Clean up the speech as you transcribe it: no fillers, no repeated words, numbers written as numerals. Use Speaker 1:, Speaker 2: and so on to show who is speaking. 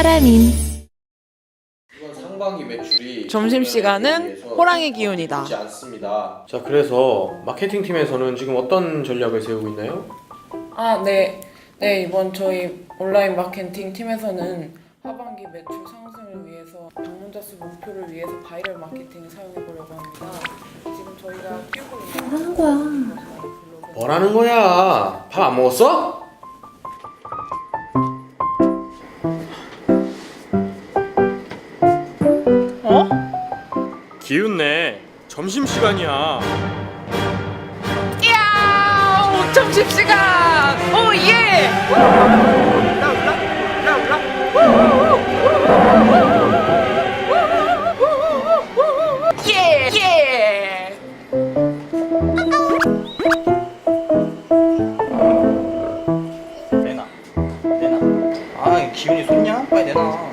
Speaker 1: 사람인.
Speaker 2: 이번 상반기 매출이
Speaker 3: 점심시간은 호랑이 기운이다.
Speaker 2: 좋지 않습니다. 자, 그래서 마케팅 팀에서는 지금 어떤 전략을 세우고 있나요?
Speaker 3: 네, 이번 저희 온라인 마케팅 팀에서는 하반기 매출 상승을 위해서 방문자 수 목표를 위해서 바이럴 마케팅을 사용해 보려고 합니다. 지금 저희가 뛰고 있는
Speaker 2: 뭐라는 거야? 밥 안 먹었어?
Speaker 3: 어?
Speaker 2: 기운내. 점심시간이야.
Speaker 3: 이야! 점심시간! 오 예! 예! 예!
Speaker 4: 내놔. 아, 기운이 솟냐? 빨리 내놔.